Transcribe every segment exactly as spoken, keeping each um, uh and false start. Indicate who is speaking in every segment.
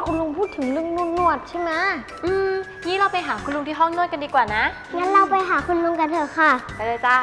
Speaker 1: คุณลุงพูดถึงเรื่องนวดใช่ไหม
Speaker 2: อืมงี้เราไปหาคุณลุงที่ห้องนวดกันดีกว่านะ
Speaker 1: งั้นเราไปหาคุณลุงกันเถอะค่ะ
Speaker 2: ไปเลยจ้า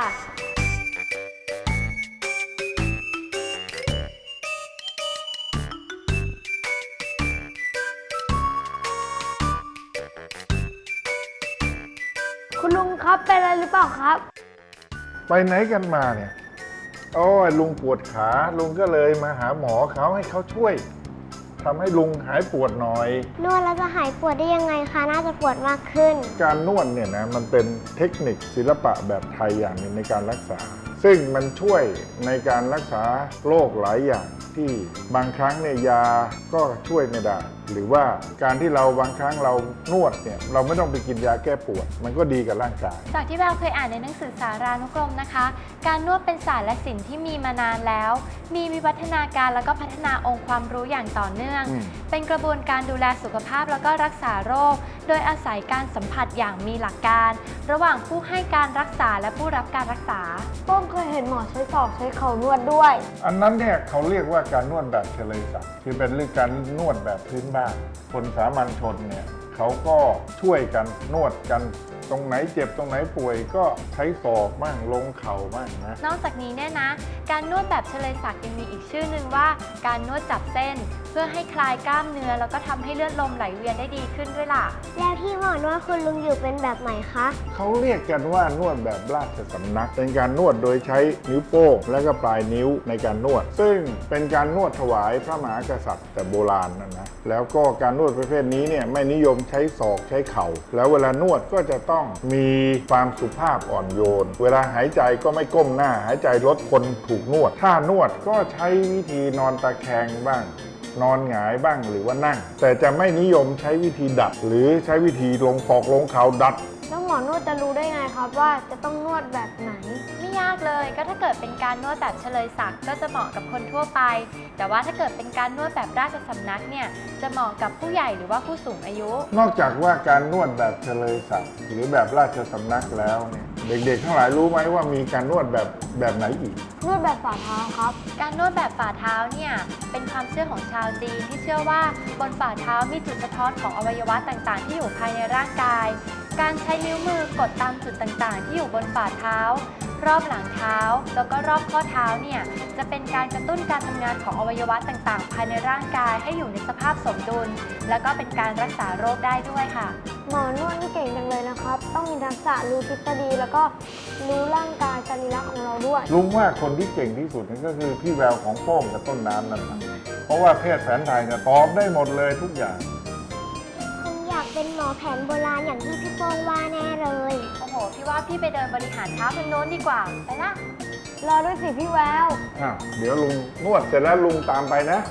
Speaker 1: คุณลุงครับเป็นอะไรหรือเปล่าครับ
Speaker 3: ไปไหนกันมาเนี่ยโอ้ยลุงปวดขาลุงก็เลยมาหาหมอเขาให้เขาช่วยทำให้ลุงหายปวดหน่อย
Speaker 1: นวดแล้วจะหายปวดได้ยังไงคะน่าจะปวดมากขึ้น
Speaker 3: การนวดเนี่ยนะมันเป็นเทคนิคศิลปะแบบไทยอย่างหนึ่งในการรักษาซึ่งมันช่วยในการรักษาโรคหลายอย่างที่บางครั้งเนี่ยยาก็ช่วยไม่ได้หรือว่าการที่เราบางครั้งเรานวดเนี่ยเราไม่ต้องไปกินยาแก้ปวดมันก็ดีกับร่างกาย
Speaker 2: จากที่แววเคยอ่านในหนังสือสารานุกรมนะคะการนวดเป็นศาสตร์และศิลป์ที่มีมานานแล้วมีวิวัฒนาการแล้วก็พัฒนาองค์ความรู้อย่างต่อเนื่องเป็นกระบวนการดูแลสุขภาพแล้วก็รักษาโรคโดยอาศัยการสัมผัสอย่างมีหลักการระหว่างผู้ให้การรักษาและผู้รับการรักษา
Speaker 1: ป้องเคยเห็นหมอใช้ศอกใช้เข่านวดด้วย
Speaker 3: อันนั้นเนี่ยเขาเรียกว่าการนวดแบบเฉลยศักดิ์คือเป็นเรื่องการนวดแบบพื้นบ้านคนสามัญชนเนี่ยเขาก็ช่วยกันนวดกันตรงไหนเจ็บตรงไหนป่วยก็ใช้ศอกบ้างลงเข่าบ้างนะ
Speaker 2: นอกจากนี้เนี่ยนะการนวดแบบเฉลยศักดิ์ยังมีอีกชื่อหนึ่งว่าการนวดจับเส้นเพื่อให้คลายกล้ามเนื้อแล้วก็ทำให้เลือดลมไหลเวียนได้ดีขึ้นด้วยล่ะ
Speaker 1: แล้วที่หมอนวดคุณลุงอยู่เป็นแบบไหนคะ
Speaker 3: เขาเรียกกันว่านวดแบบราชสำนักเป็นการนวดโดยใช้นิ้วโป้งและก็ปลายนิ้วในการนวดซึ่งเป็นการนวดถวายพระมหากษัตริย์แต่โบราณนั่นนะแล้วก็การนวดประเภทนี้เนี่ยไม่นิยมใช้ศอกใช้เข่าแล้วเวลานวดก็จะต้องมีความสุภาพอ่อนโยนเวลาหายใจก็ไม่ก้มหน้าหายใจลดคนถูกนวดถ้านวดก็ใช้วิธีนอนตะแคงบ้างนอนหงายบ้างหรือว่านั่งแต่จะไม่นิยมใช้วิธีดัดหรือใช้วิธีลงศอกลงเข่าดัด
Speaker 1: แล้วหมอนวดจะรู้ได้ไงครับว่าจะต้องนวดแบบไหน
Speaker 2: ไม่ยากเลยก็ถ้าเกิดเป็นการนวดแบบเฉลยศักดิ์ก็จะเหมาะกับคนทั่วไปแต่ว่าถ้าเกิดเป็นการนวดแบบราชสำนักเนี่ยจะเหมาะกับผู้ใหญ่หรือว่าผู้สูงอายุ
Speaker 3: นอกจากว่าการนวดแบบเฉลยศักดิ์หรือแบบราชสำนักแล้วเนี่ยเด็กๆทั้งหลายรู้ไหมว่ามีการนวดแบบแบบไหนอีก
Speaker 1: นวดแบบฝ่าเท้าครับ
Speaker 2: การนวดแบบฝ่าเท้าเนี่ยเป็นความเชื่อของชาวจีนที่เชื่อว่าบนฝ่าเท้ามีจุดสะท้อนของอวัยวะต่างๆที่อยู่ภายในร่างกายการใช้นิ้วมือกดตามจุดต่างๆที่อยู่บนฝ่าเท้ารอบหลังเท้าแล้วก็รอบข้อเท้าเนี่ยจะเป็นการกระตุ้นการทำงานของอวัยวะต่างๆภายในร่างกายให้อยู่ในสภาพสมดุลแล้วก็เป็นการรักษาโรคได้ด้วยค่ะ
Speaker 1: หมอนวดนี่เก่งจังเลยนะครับต้องมีทักษะรู้ทฤษฎีแล้วก็รู้ร่างกายสรีระของเราด้วย
Speaker 3: ลุงว่าคนที่เก่งที่สุดนั่นก็คือพี่แววของโป้งกับต้นน้ำนั่นแหละเพราะว่าแพทย์แผนไทยเนี่ยตอบได้หมดเลยทุกอย่าง
Speaker 1: คงอยากเป็นหมอแผนโบราณอย่างที่พี่โป้งว่าแน่เลย
Speaker 2: โอ้โหพี่ว่าพี่ไปเดินบริหารเท้าทางโน้นดีกว่าไปละ
Speaker 1: รอด้วยสิพี่แวว
Speaker 3: อ้าวเดี๋ยวลุงนวดเสร็จแล้วลุงตามไปนะ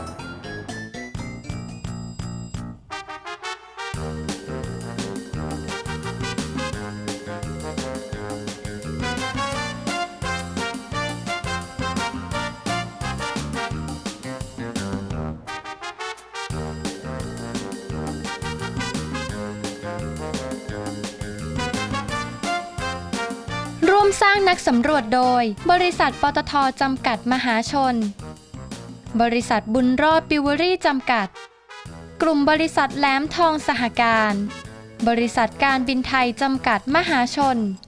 Speaker 2: ร่วมสร้างนักสำรวจโดยบริษัทปตท.จำกัดมหาชนบริษัทบุญรอดปิวเวอรี่จำกัดกลุ่มบริษัทแหลมทองสหการบริษัทการบินไทยจำกัดมหาชน